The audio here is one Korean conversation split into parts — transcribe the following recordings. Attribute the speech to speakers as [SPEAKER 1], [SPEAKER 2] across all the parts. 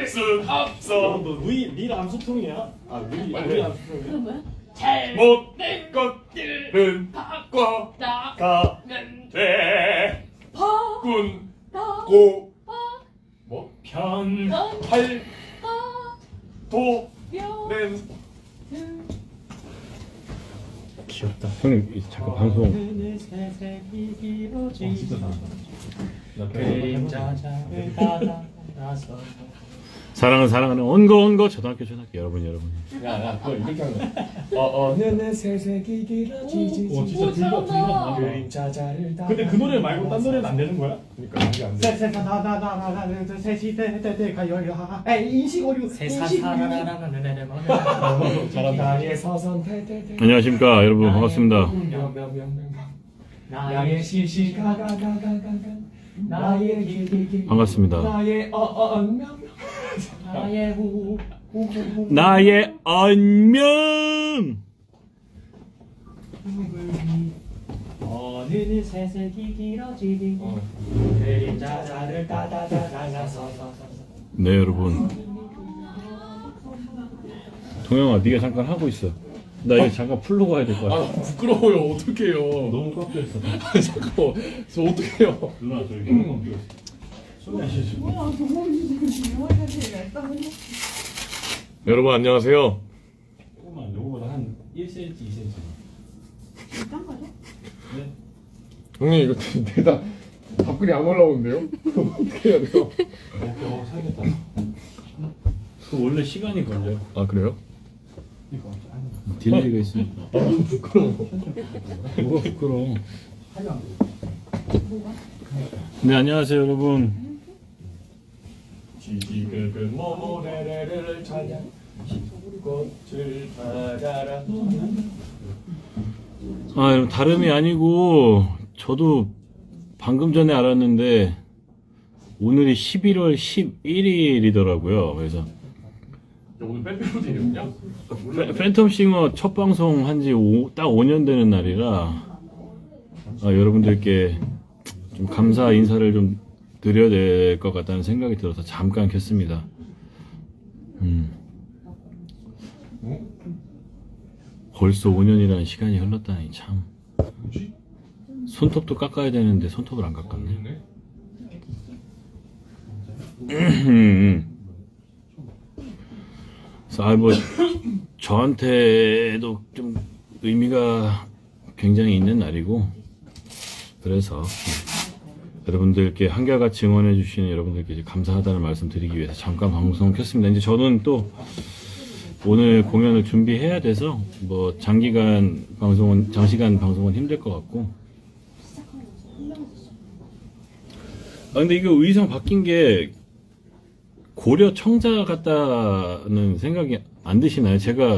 [SPEAKER 1] 될 수 없어.
[SPEAKER 2] 너 릴 암소통이야? 아 릴 암소통이야?
[SPEAKER 3] 그건 뭐야?
[SPEAKER 1] 잘못된 것들은 바꿔나가면 돼. 군, 고, 뭐? 할, 도, 는.
[SPEAKER 2] 귀엽다.
[SPEAKER 4] 형님 잠깐 방송.
[SPEAKER 2] 진짜 잘한다. 나 그림자자를 따라서.
[SPEAKER 4] 사랑하는 언거 초등학교 여러분.
[SPEAKER 1] 야, 그거 이렇게 하는 거야. 어느 새색이 길어지지.
[SPEAKER 2] 오 진짜 둘다
[SPEAKER 1] 그림자자를 따라.
[SPEAKER 2] 근데 그 노래 말고 딴 노래는 안 되는 거야?
[SPEAKER 1] 그러니까 이게 안 돼.
[SPEAKER 2] 인식어류
[SPEAKER 1] 나의 서선
[SPEAKER 4] 안녕하십니까 여러분 반갑습니다.
[SPEAKER 1] 나의 시시가가가가가 나의 길길길
[SPEAKER 4] 반갑습니다.
[SPEAKER 1] 나의 나의
[SPEAKER 4] 나의 안면.
[SPEAKER 2] 어느 새색이 길어지니 그림자자를 따다다다다서.
[SPEAKER 4] 네 여러분. 동영아 네가 잠깐 하고 있어. 나 이거 잠깐 풀로 가야 될 것 같아.
[SPEAKER 1] 부끄러워요. 어떡해요.
[SPEAKER 2] 너무 꽉 껴있어.
[SPEAKER 1] 잠깐만. 저 어떡해요.
[SPEAKER 2] 누나 저기 형만 끼고 있어. 소리 안 쉬지.
[SPEAKER 1] 여러분 안녕하세요.
[SPEAKER 2] 조금만 요거보다 한 1cm, 2cm. 네.
[SPEAKER 1] 형님 이거 대다 답글이 안 올라오는데요? 어떻게 해야 돼요?
[SPEAKER 2] 살겠다.
[SPEAKER 4] 그 원래 시간이 걸려요.
[SPEAKER 1] 아 그래요?
[SPEAKER 2] 이거 아니.
[SPEAKER 4] 딜레이가 있으니까.
[SPEAKER 1] 너무 부끄러워.
[SPEAKER 4] 뭐가 부끄러워.
[SPEAKER 2] 하려 안 돼.
[SPEAKER 4] 네 안녕하세요 여러분.
[SPEAKER 1] 지지글글 모모레레를 찾아 꽃을 받아라.
[SPEAKER 4] 아 여러분 다름이 아니고 저도 방금 전에 알았는데 오늘이 11월 11일이더라고요. 그래서
[SPEAKER 1] 오늘 빼빼로데이였냐?
[SPEAKER 4] 팬텀싱어 첫 방송 한지 딱 5년 되는 날이라 여러분들께 좀 감사 인사를 좀 드려야 될 것 같다는 생각이 들어서 잠깐 켰습니다. 벌써 5년이라는 시간이 흘렀다니 참.
[SPEAKER 1] 뭐지?
[SPEAKER 4] 손톱도 깎아야 되는데 손톱을 안 깎았네. 그래서 뭐 저한테도 좀 의미가 굉장히 있는 날이고 그래서 여러분들께 한결같이 응원해 주시는 여러분들께 이제 감사하다는 말씀 드리기 위해서 잠깐 방송 켰습니다. 이제 저는 또 오늘 공연을 준비해야 돼서 뭐 장시간 방송은 힘들 것 같고. 근데 이거 의상 바뀐 게 고려 청자 같다는 생각이 안 드시나요? 제가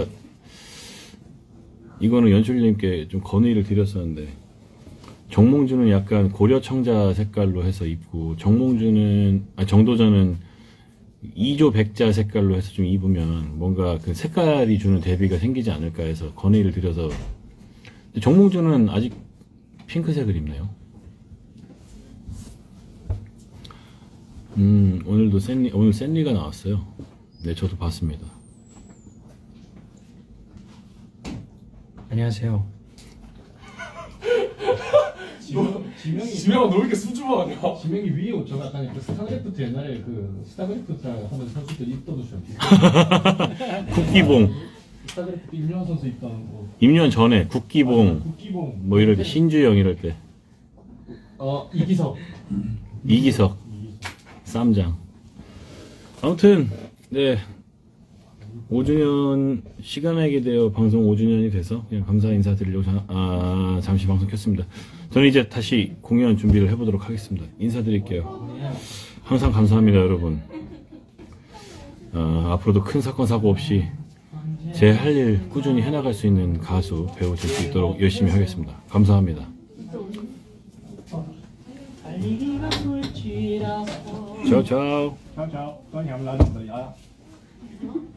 [SPEAKER 4] 이거는 연출님께 좀 건의를 드렸었는데 정몽주는 약간 고려 청자 색깔로 해서 입고 정도전은 이조 백자 색깔로 해서 좀 입으면 뭔가 그 색깔이 주는 대비가 생기지 않을까 해서 건의를 드려서. 근데 정몽주는 아직 핑크색을 입네요. 오늘도 오늘 샌리가 나왔어요. 네, 저도 봤습니다.
[SPEAKER 2] 안녕하세요.
[SPEAKER 1] 지명아 너 왜 이렇게 수줍어하냐?
[SPEAKER 2] 지명이 위에 옷 약간 그 스타크래프트 옛날에 그 스타크래프트 하면 선수들 입던 옷이랑
[SPEAKER 4] 국기봉.
[SPEAKER 2] 스타크래프트 임요한 선수 입던 거.
[SPEAKER 4] 임요한 전에 국기봉
[SPEAKER 2] 국기봉.
[SPEAKER 4] 뭐 이럴 때 신주영 이럴 때
[SPEAKER 2] 이기석.
[SPEAKER 4] 이기석 쌈장. 아무튼 네 5주년 시간에게 되어 방송 5주년이 돼서 그냥 감사 인사드리려고 잠시 방송 켰습니다. 저는 이제 다시 공연 준비를 해보도록 하겠습니다. 인사드릴게요. 항상 감사합니다 여러분. 앞으로도 큰 사건 사고 없이 제 할 일 꾸준히 해나갈 수 있는 가수 배우 될 수 있도록 열심히 하겠습니다. 감사합니다. 차오 차오.
[SPEAKER 2] Chào chào, có nhà làm gì vậy?